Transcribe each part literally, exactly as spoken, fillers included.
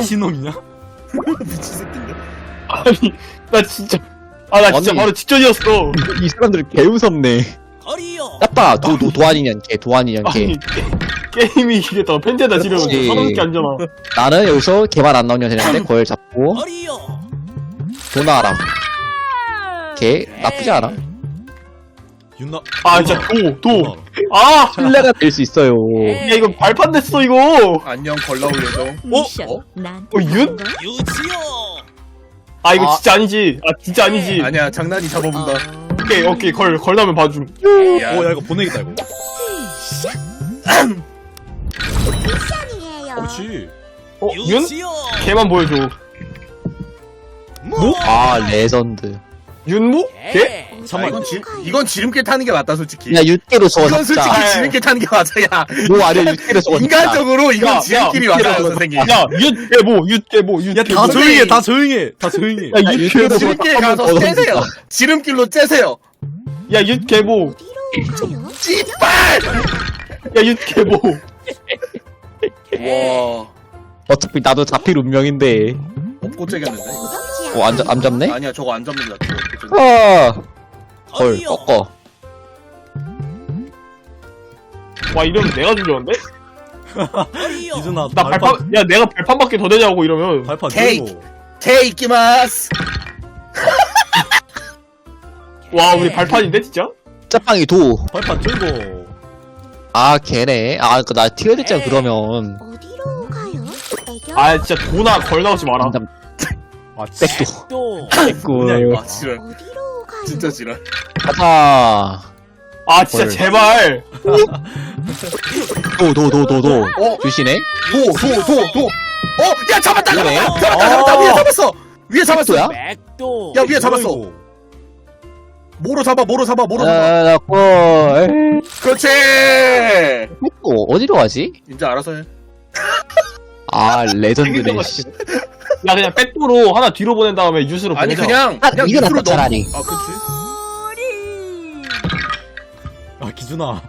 미친놈이냐? 미친 새끼인데. 아니 나 진짜 아 나 진짜 아니. 바로 직전이었어. 이 사람들 개 무섭네. 야빠 도, 도, 도안이년 개 도안이년 개. 아니 게, 게임이 이게 더 펜트에다 지르면 그렇지. 서너 개 앉아나. 나는 여기서 개발 안 나오냐 되는데 걸 잡고 도 나와라. 개 나쁘지 않아. 윤나. 아 진짜 도도 아! 신뢰가 될 수 있어요. 야 이거 발판 됐어 이거. 안녕 걸라올 예정. 미션 어? 난 어, 윤? 아 이거 아. 진짜 아니지. 아 진짜 아니지. 아니야 장난이 잡아본다. 오케이 오케이 걸 걸나면 봐줌. 야, 오, 야, 이거 보내겠다, 이거. 미션이에요. 그렇지. 어 윤? 걔만 보여줘. 뭐? 아 레전드. 윤무? 걔? 아, 잠깐만. 이건 지 이건 지름길 타는 게 맞다 솔직히. 야 육개로 쏘아 이건 솔직히 잡자. 지름길 타는 게 맞아. 야 뭐 아니야 육개로 쏘아 잡자. 인간적으로 야, 이건 지름길이 야, 맞아요 야, 선생님. 야 윤개보 윤개보 야, 윤개보. 다 조용히 해, 다 조용히 해. 다 조용히 해. 야 윤개보. 지름길 가서 한번 째세요. 더 지름길로 째세요. 야 윤개보. 어디로 가요? 찌빨. 야 윤개보. 와. 어차피 나도 잡힐 운명인데. 없고 째겠는데. 어, 안, 잡- 안 잡네? 아니야 저거 안 잡는다. 아, 걸, 꺾어. 와 이러면 내가 죽였는데? 이준아, 나 발판 야 내가 발판밖에 더 되냐고 이러면. 발판 케이크. 들고. 테이키마스. 와 우리 발판인데 진짜? 짜빵이 도. 발판 들고. 아, 걔네. 아, 그, 나 튀어야 됐잖아, 그러면. 어디로 가요? 애교? 아 진짜 도나 걸 나오지 마라. 안 잡, 아, 백도. 뭐냐, 이거. 아 지랄. 어디로 가요? 진짜 지랄. 가자. 아 진짜 걸. 제발. 도, 도, 도, 도, 도. 어? 주시네? 도 도 도 도. 어? 야 잡았다 그러네. 잡았다 잡았다 잡았다 위에 잡았어. 위에 잡았어. 백도야? 백도. 야, 위에 잡았어. 뭐야, 이거? 모로 잡아 모로 잡아 모로 잡아. 아, 나 걸. 그렇지. 백도, 어디로 가지? 이제 알아서 해. 아, 레전드네. 야 그냥 백도로 하나 뒤로 보낸 다음에 유스로 아니 보내자. 그냥 아, 그냥 이거 밑으로 낫다, 차라리. 넘- 아 그렇지. 아, 기준아. 어,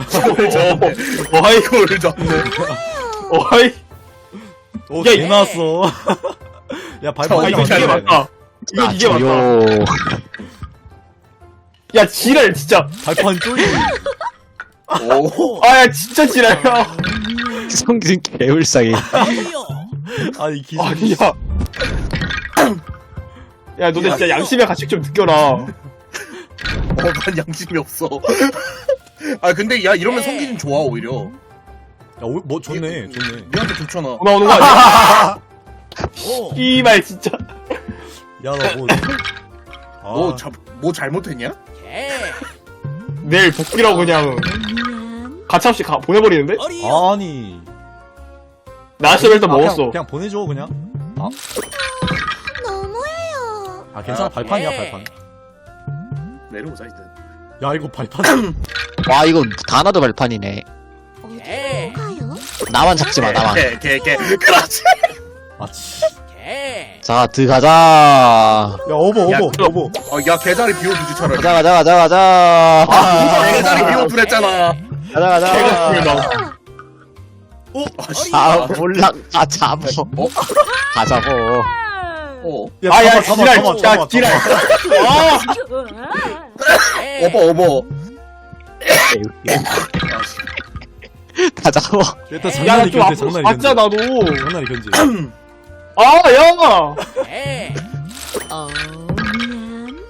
어이 이거를 잡네. 어이. 오, 야, 개 이- 나왔어. 야, 발판 아, 아 이거 이거 이게 잘 맞다. 이거 아, 이게 맞다. 조용. 야 지랄 진짜. 발판 쪼이. 오. 아야 진짜 지랄이야. 성진 개울상이. 아니, 기준. 아니야. 야 너네 진짜 양심의 가책 좀 느껴라. 어, 난 양심이 없어. 아 근데 야 이러면 성기준 좋아 오히려. 야, 오, 뭐, 좋네, 좋네. 니한테 좋잖아. 전화 오는 거 아니야? 이말 진짜. 야, 나 뭐. 아, 너 자, 뭐 잘못했냐? 내일 복귀라고 그냥 미안. 가차없이 가, 보내버리는데? 아니. 나시를 일단 아, 먹었어. 그냥, 그냥 보내줘, 그냥. 너무해요. 아, 괜찮아, 아, 발판이야, 발판. 내려오자 이제. 야, 이거 발판. 와, 이거 다나도 발판이네. 어디로 가요? 나만 잡지 마, 나만. 개, 개, 개. 그렇지. 아, 치. 자, 들어가자. 야, 어버, 야, 어버, 그럼- 어버. 어, 야 개자리 비워두지 차라리. 가자, 가자, 가자, 가자. 아, 개자리 비워두랬잖아. 가자, 개가 가자. 죽는다. 아, 씨. 아, 몰라. 아, 잡어. 어? 가자고. 어. 야, 아야 잡아, 지랄 잡아, 진짜 잡아, 지랄. 잡아. 아 어버, 어버. 아, 씨. 가자고. 일단 야, 장난이 좀 견제, 앞으로 장난이 맞자, 견제. 나도. 장난이 견제. 아, 야! 어, 미안.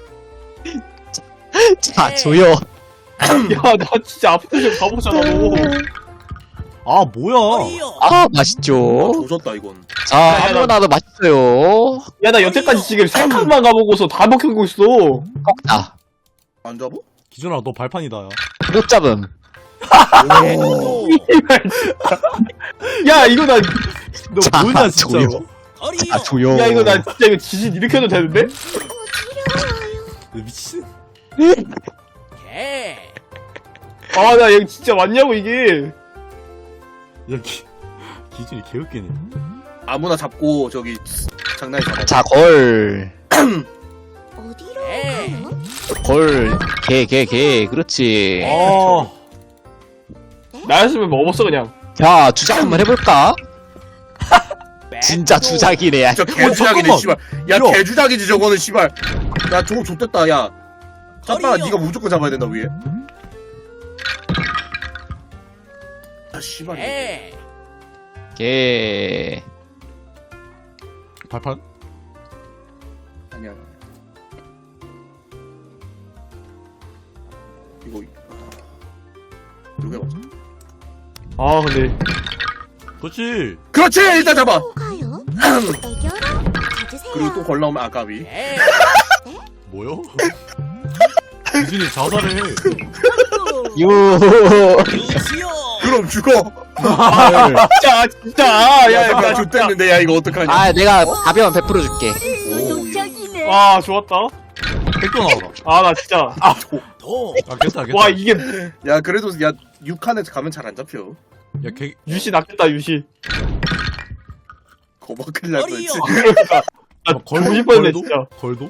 자, 조용. 야, 나 진짜 앞에 좀 가보자, 나도. 아, 뭐야. 아, 아, 맛있죠. 조졌다 이건. 자, 아무나도 맛있어요. 야, 나 여태까지 지금 세 칸만 가보고서 다 먹히고 있어. 꺾자. 안 잡어? 기준아, 너 발판이다, 야. 못 잡음. 이발, 진짜. 야, 이거 나, 너 자, 뭐냐, 진짜로. 조용. 자, 조용. 야, 이거 나 진짜 이거 지진 이렇게 해도 되는데? 너 미친. 아, 나 여기 진짜 왔냐고, 이게. 야, 기, 기준이 개웃기네. 아무나 잡고 저기 장난이 잡아. 자, 걸. 어디로 가요? 걸. 개, 개, 개. 그렇지. 아, 나였으면 먹었어, 그냥. 자, 주작 한번 해볼까? 진짜 주작이네. 야. 저 개주작이네 잠깐만. 씨발. 야 야. 개주작이지 저거는 씨발. 야 저거 좆됐다 야. 짬바가 네가 무조건 잡아야 된다 위에. 아 씨발. 개. 발판? 아니야. 이거 이게 맞아. 아 근데 그렇지. 그렇지 일단 잡아. 어디로 가요? 애교로 가주세요. 그리고 또 걸 나오면 아까비. 뭐요? 기준이 자살해. 유. 그럼 죽어. 진짜 진짜 야, 야 야, 야 좆됐는데 야 이거 어떡하냐. 아 내가 가벼운 백 퍼센트 줄게. 도적이네. 아 좋았다. 백도 나오라. 아 나 진짜 아, 괜찮아, 괜찮아. 와 이게 야 그래도 야 육 칸에 가면 잘 안 잡혀. 야, 개, 유시 낚였다 유시. 거봐 큰일 날 뻔했지. 나 막 걸고 싶었네 걸도? 진짜. 걸도?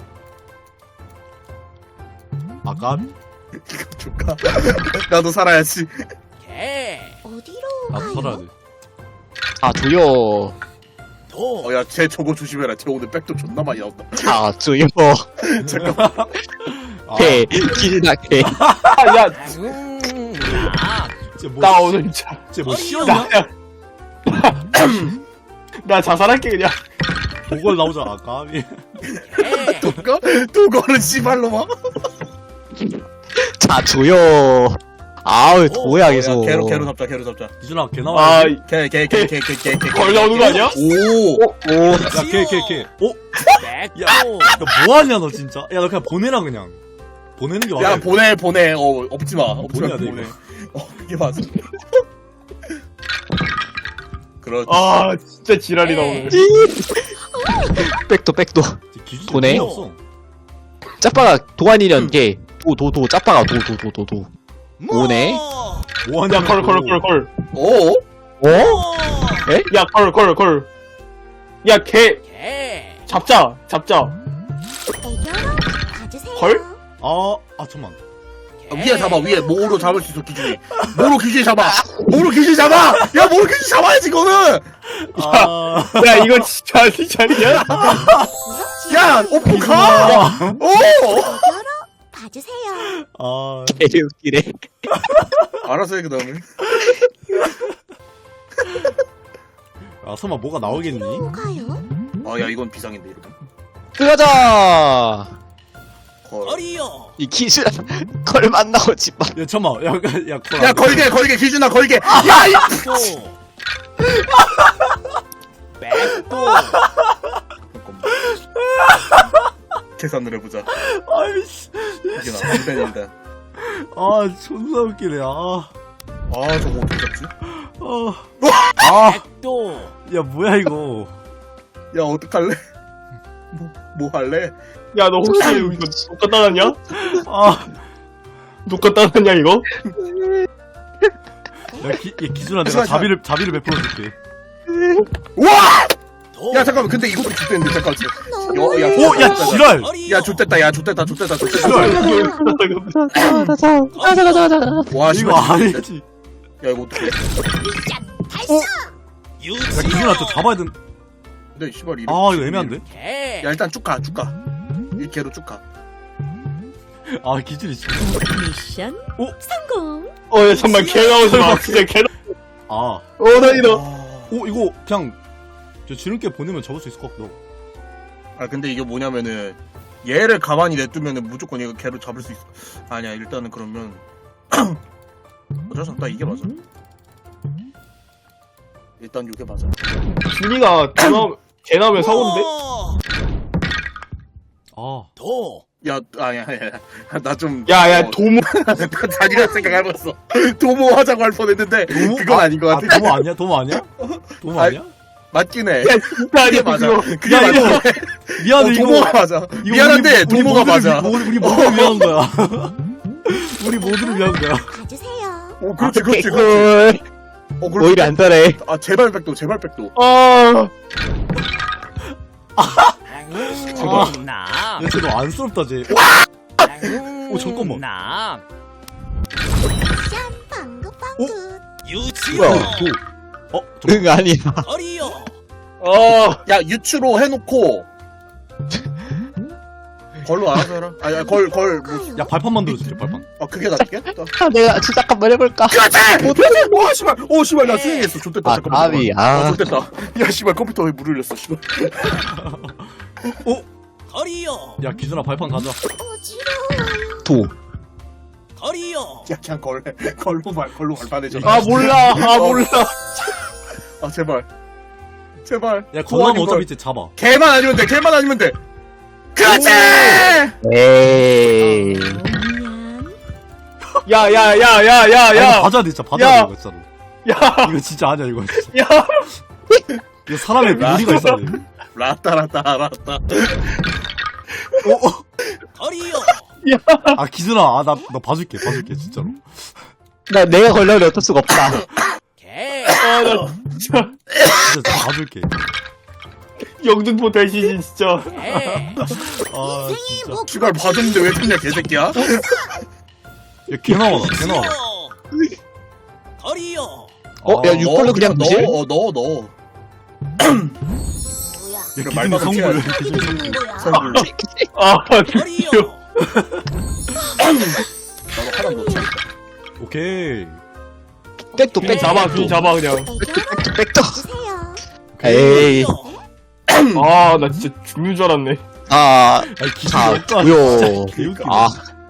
아까? 조카. 나도 살아야지. 어디로 나도 살아야 돼. 아 조여. 어야 쟤 저거 조심해라. 쟤 오늘 백도 존나 많이 나온다. 자 조여. 잠깐만. 아, 개. 기준아 개. 아야 쟤 뭐, 나 오늘 진짜 쟤뭐 시험이야? 나, 나 자살할게 그냥. 보궐 나오잖아, 아까. 도거? 도거는 씨발로마. 자 조여. 아우 뭐야 계속. 개로 개로 잡자 개로 잡자. 기준아, 개 나와. 아 개 개 개 개 개 개 개. 걸 나오는 거 아니야? 오. 오. 야, 개, 개, 개. 어? 야, 너 뭐하냐, 너 진짜? 야, 너 그냥 보내라, 그냥. 보내는 게 맞아. 야 보내 보내. 어 없지 마. 없지 마. 보내야 돼, 보내. 이거. 어 그게 맞아. 그렇지. 아 진짜 지랄이다 오늘. 백도 백도. 기준이 보내? 없어. 짜빠가 도안이련 개. 도 도 도 짜빠가 도 도 도 도 도. 오네. 뭐하냐, 야 걸 걸 걸 걸. 오. 어? 야 걸 걸 걸. 야 개. 잡자 잡자. 애교로 가주세요. 걸? 아, 아, 잠만. 아, 위에 잡아 위에 모로 잡을 수 있어 기준이. 모로 기준이 잡아. 모로 기준이 잡아. 야 모로 기준이 잡아야지 이거는. 아, 야 이거 진짜 진짜냐? 야 오프 가. 오. 애교로 가주세요. 아. 개 웃기네. 알아서 해 그다음에. 아, 설마 뭐가 나오겠니? 어디로 가요? 아야 이건 비상인데 이러면. 들어가자. 걸. 이 기준 걸만 나오지 마. 야, 잠만. 야, 야, 야, 야 걸게 걸게 기준아 걸게. 야 이. 계산을 해보자. 아이씨. 이게 나 한 밴인데. 아, 존나 웃기네. 아. 아 저거 어떻게 잡지? 아. 아. 야, 뭐야, 이거. 야 어떡할래? 뭐, 뭐 할래? 야 너 혹시 이거 녹화 따놨냐? 아. 녹화 따놨냐 이거? 야, 기, 야, 기준아, 내가 자비를, 자비를 베풀어 줄게. 우와! 야 잠깐만 근데 이것도 좆됐는데 잠깐만. 너무 야, 야, 오, 야, 지랄! 야 좆됐다 야 좆됐다 좆됐다 좆됐다. 지랄! 가자 가자 가자. 와 이거 씨발. 아니지. 야 이거 어떡해. 야, 기준아, 또 잡아야 된. 근데 씨발 이름. 아, 이거 애매한데? 야 일단 쭉 가, 쭉 가. 이 개로 쭉 가. 아, 기준이 진짜. 미션 오! 성공. 어야 잠만 개 나오지 마 진짜 개. 아. 어 다행이다. 아, 오, 이거, 그냥, 저 지름길 보내면 잡을 수 있을 것 같기도 하고. 아 근데 이게 뭐냐면은 얘를 가만히 냅두면은 무조건 얘가 개로 잡을 수 있어. 아니야 일단은 그러면 어쩔 수 없다 이게 맞아. 일단 이게 맞아. 준이가 개 나오면 개 나오면 사고인데? 아. 야 아니야 아니야 나 좀. 야야 어, 도모. 나 잔인한 생각해봤어. 도모 하자고 할 뻔했는데 도모? 그건 아닌 것 아, 같아. 도모 아니야? 도모 아니야? 도모 아, 아니야? 맞긴 해. 야 진짜 그게 아니야 맞아. 그거. 그게 야, 맞아. 이거- 어, 미안해, 이거. 도모가 맞아. 이거 미안한데 우리, 우리 도모가 모두를 맞아. 위- 우리, 우리 모두를 위한 거야. 우리 모두를 위한 거야. 가주세요. 어 그렇지 그렇지 그렇지. 개꿀. 어 그렇지. 오히려 안 따래. 아 제발 백도 제발 백도. 아. 야, 쟤너 안쓰럽다, 쟤. 오, 잠깐만. 미션 방긋방긋. 뭐야, 도. 어? 저, 응 아니야. 어. 야 유추로 해놓고 걸로 알아서 해라. 아니 걸걸 뭐, 야 발판 만들어줄게 발판. 아 그게 낫겠다. 아, 내가 진짜 한번 해볼까? 그렇지! 오 씨발 오 씨발 나 수행했어. 좋됐다. 아, 잠깐만. 까비, 잠깐만. 아. 아 좋됐다. 야 씨발 컴퓨터에 물 흘렸어. 씨발. 야 기준아 발판 가자. 어지러워요. 도. 야 그냥 걸 걸로 발 걸로 발판해줘. 아 몰라. 아 몰라. 아 제발 제발. 야 거기는 걸. 어차피 이제 잡아. 개만 아니면 돼. 개만 아니면 돼. 그렇지! 에이. 미안. 야야야야야야. 야 받아야 돼 진짜 받아야 돼 야. 이거 진짜로. 야. 이거 진짜 아니야 이거 진짜. 야. 이거 사람의 무리가 있어야 돼. 라따라따 라따. 어, 어. 아 기준아 아 나 너 봐줄게 봐줄게 진짜로. 나, 내가 걸려도 어쩔 수가 없다. 아나 진짜 진짜 봐줄게. 영등포 대시진 진짜. 아 진짜. 씨발 봐줬는데 왜 그냥 개새끼야? 야개 나와라 개 나와라. 어, 야, 육걸로 그냥 무실? 넣어 넣어 넣어. 야 기준이 말만 성불. 해야지. 기준이 성불. 성불. 아 귀여워. 나도 하나 넣자. 오케이. 백도, 귀 백도. 잡아 귀 잡아 그냥. 백도, 백도. 주세요. 에이. 아 나 진짜 죽는 줄 알았네. 아, 아니 기준이 자, 없다. 고요. 진짜 개웃기네. 아,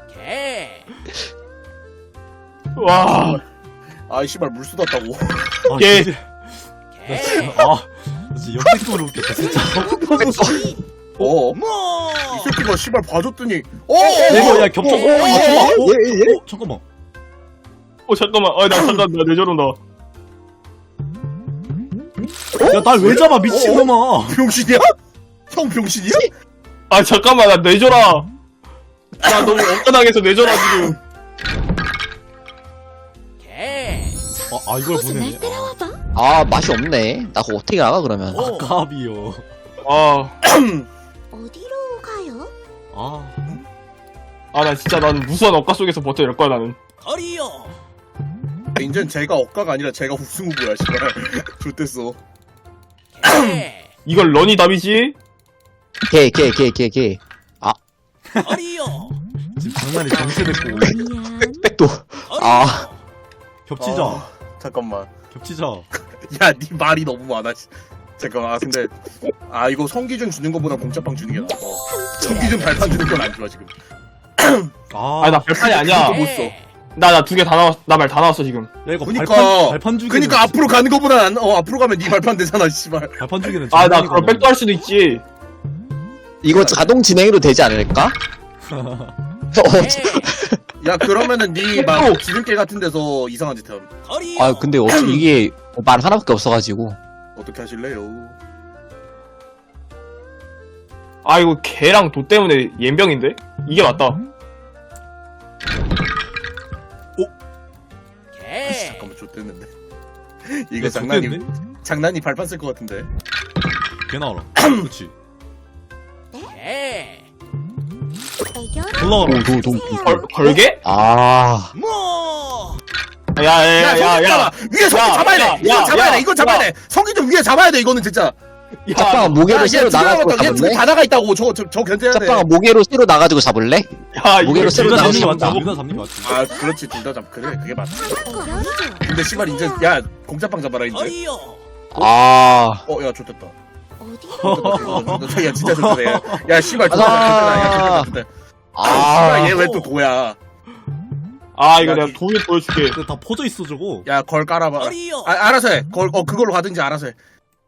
와. 아 씨발 물 쏟았다고. 아, 개. 진짜. 나 진짜 아 진짜 역대급으로 웃겼다 진짜. 어. 이 새끼가 씨발 봐줬더니. 어. 이거 야 겹쳐. 어, 아, 잠깐만. 어, 예, 예. 어, 잠깐만. 어 잠깐만. 아나 잠깐 나 내저런다. 야 날 왜 잡아 미친놈아. 병신이야? 형 병신이야? 아 잠깐만 나 내줘라. 나 너무 엉뚱하게서 내줘라 지금. 아, 아 이걸 어서 보내네. 날 따라와봐. 아, 맛이 없네. 나 그거 어떻게 나가, 그러면. 아 까비요. 아. 어디로 가요? 아 아 나 진짜 나는 무수한 억가 속에서 버텨낼 거야 나는. 이젠 제가 억가가 아니라 제가 우승 후보야 씨발. 좋댔어. 이걸 런이 답이지? 개, 개, 개, 개, 개. 지금 장난이 정체됐고 미안. 백도. 아, 겹치자. 아, 잠깐만. 겹치자. 야, 네 말이 너무 많아. 씨. 잠깐만. 아 근데 아 이거 성기준 주는 거보다 공짜빵 주는 게 나아. 어. 성기준 발판 주는 건 안 좋아 지금. 아, 아니 나 발판이 아니야. 못 써. 나 나 두 개 다 나왔. 나 말 다 나왔어 지금. 야 이거 그니까. 발판 발판 주기. 그니까 앞으로 가는 거보다 안, 어 앞으로 가면 네 발판 되잖아 씨발. 발판 주기는. 아 나 그럼 백도 할 수도 있지. 이거 자동 진행으로 되지 않을까? 어, 야 그러면은 네막 지름길 같은 데서 이상한 짓 함. 아, 근데 어차피 이게 말 하나밖에 없어가지고. 어떻게 하실래요? 아 이거 개랑 도 때문에 옌병인데? 이게 맞다. 잠깐만 좆됐는데. 이거 장난이 장난이 발판 쓸 것 같은데. 개 나와라. 그렇지. 애교라. 올라가라. 도, 도, 도. 주세요. 걸 걸게? 아, 야야야야야. 야, 위에 성기 야, 잡아야 야, 돼. 이거 야, 잡아야 야, 돼. 이거 잡아야 야. 돼. 성기 좀 위에 잡아야 돼. 이거는 진짜. 짝방아 모계로 새로 나가지고 얘 잡을래? 둘다 나가 있다고. 저거 저, 저 견뎌야 돼. 짝방아 모계로 새로 나가지고 잡을래? 야 이거 무게로 새로 둘다 나오는 잡는 게 거 맞지. 맞다. 둘다 잡는 게 맞지. 아 그렇지 둘 다 잡. 그래 그게 맞지. 애교라. 근데 씨발 이제 야 공짜빵 잡아라 이제. 아, 어야 좋됐다. 어디로? 야 진짜 좋다. 야, 야 씨발 좋다. 가자. 야 좋다. 아 아, 씨발 얘 왜 또 도야? 아 이거 야, 내가 이- 돈을 보여줄게. 근데 다 퍼져 있어 저거. 야 걸 깔아봐. 아 알아서 해. 걸 어 그걸로 가든지 알아서 해.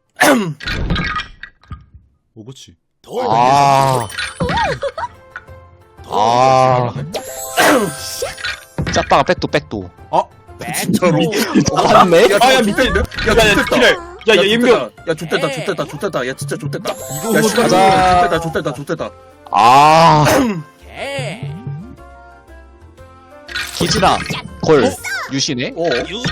오 그렇지. 아, 아, 짝방아 백도, 백도. 진짜로. 맞네? 야, 아, 야, 야 밑에- 밑에. 야 야야 좋됐다. 기래. 야야 옌병. 야 좋됐다 좋됐다 좋됐다. 야 진짜 좋됐다. 이거 야 씨발 가자. 좋됐다 좋됐다 좋됐다. 아, 기진아, 걸, 유시네? 어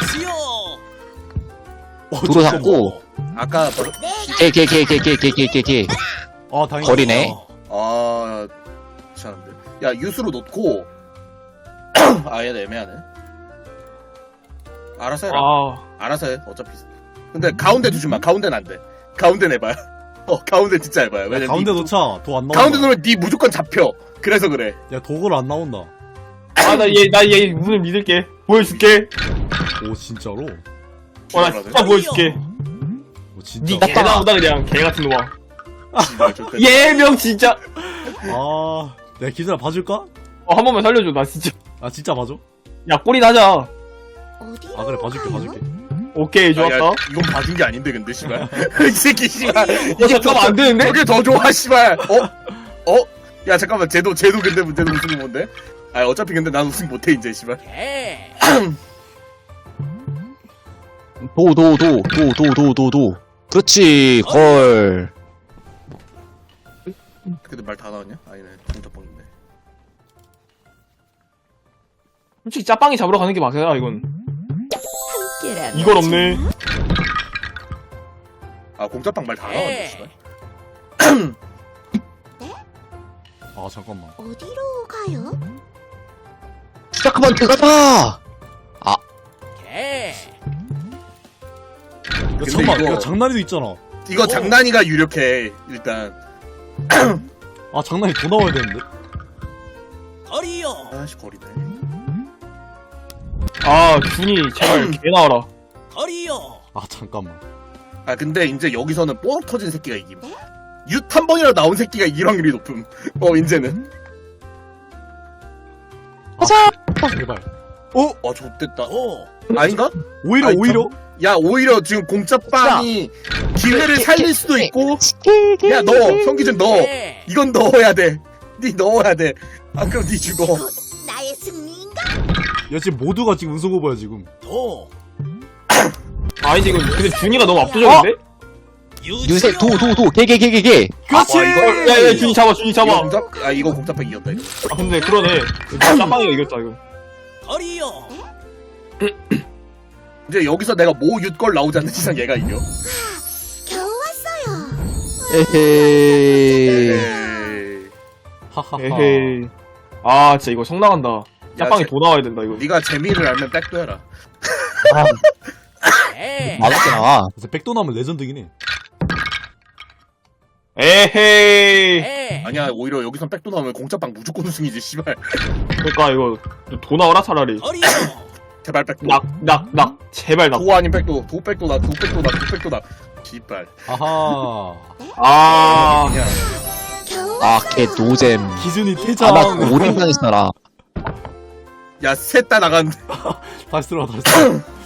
도로 잡고, 아까 뭐- 개, 개, 개, 개, 개, 개, 개, 개, 개. 아 다행이다. 거리네. 아 괜찮은데. 야 유수로 놓고 아얘 애매하네. 알아서 해라. 아 알아서 해. 어차피. 근데 가운데 두지 마. 가운데는 안 돼. 가운데 내봐요. 어 가운데 진짜 해봐요. 왜냐면 가운데 니- 놓자. 도 안 나온다. 가운데 놓으면 니 무조건 잡혀. 그래서 그래. 야, 도구로 안 나온다. 아, 나 얘, 나 얘 눈을 믿을게. 보여줄게. 오, 진짜로? 어, 나 진짜 보여줄게. 오, 진짜. 니 개 나온다, 그냥. 개 같은 놈아. 씨발, 좋겠다. 예명 진짜. 아, 내가 기준아 봐줄까? 어, 한 번만 살려줘, 나 진짜. 아, 진짜 봐줘? 야, 꼬리 나자. 어디로 아, 그래, 봐줄게, 가요? 봐줄게. 오케이, 아, 좋았다. 야, 이건 봐준 게 아닌데 근데 씨발. 이 새끼 씨발. 어, 잠깐만, 안 되는데? 저게 더 좋아 씨발. 어? 어? 야 잠깐만 쟤도 쟤도 근데 문제는 우승이 뭔데? 아 어차피 근데 난 우승 못해 이제 씨발. 도, 도, 도, 도, 도, 도, 도, 도. 그렇지, 걸. 근데 말 다 나왔냐? 아니네 동작방인데. 솔직히 짜빵이 잡으러 가는 게 맞아요, 이건. 함께라면 이건 없네. 아 공짜빵 말 다 나왔네 씨발. 아, 잠깐만. 어디로 가요? 시작하면 들어가자! 야, 근데 잠깐만. 이거- 야, 장난이도 있잖아. 이거 장난이가 유력해 일단. 아, 장난이 더 나와야 되는데? 아씨 거리네. 아, 준이, 제발, 개 나와라. 아, 잠깐만. 아 근데 이제 여기서는 뽀록 터진 새끼가 이김. 윷 한 번이라도 나온 새끼가 이길 확률이 높음. 어 이제는. 제발. 어 좋댔다. 아닌가? 오히려, 아니, 오히려? 야 오히려 지금 공짜빵이 기회를 살릴 수도 있고. 야 너 성기준 너 이건 넣어야 돼. 니 넣어야 돼. 아 그럼 니 죽어. 나의 승리인가? 야, 지금 모두가 지금 우승 후보야, 지금. 아니지, 이건, 근데 준이가 너무 압도적인데? 유세, 도, 도, 도, 개, 개, 개, 개, 개. 그렇지! 아, 이거- 야, 야, 준이 잡아, 준이 이거 잡아. 공짜? 아 이거 공짜빵 이겼다 이거. 아, 근데 그러네. 짜빵이가 이겼다, 이거. 이제 여기서 내가 모 윷걸 나오지 않는 이상 얘가 이겨. 겨우 왔어요. 에헤이. 에이. 하하하. 에헤이. 아, 진짜 이거 성 나간다. 짜빵이 제- 더 나와야 된다, 이거. 네가 재미를 알면 백도 해라. 맛없게 나와. 그래서 백도 나면 레전드긴 해. 에헤이. 아니야 오히려 여기선 백도 나오면 공짜빵 무조건 우승이지 씨발. 그러니까 이거 더 나와라, 차라리. 제발 백도. 낙, 낙, 낙. 제발 낙. 도 아닌 백도. 도 백도다. 도 백도다. 도 백도다. 씨발. 아하. 아. 그냥. 겨우 아, 개 노잼. 기준이 아, 퇴장. 나 오링 당했어라. 야 셋 다 나갔는데. 다시 들어와, 다시 들어와.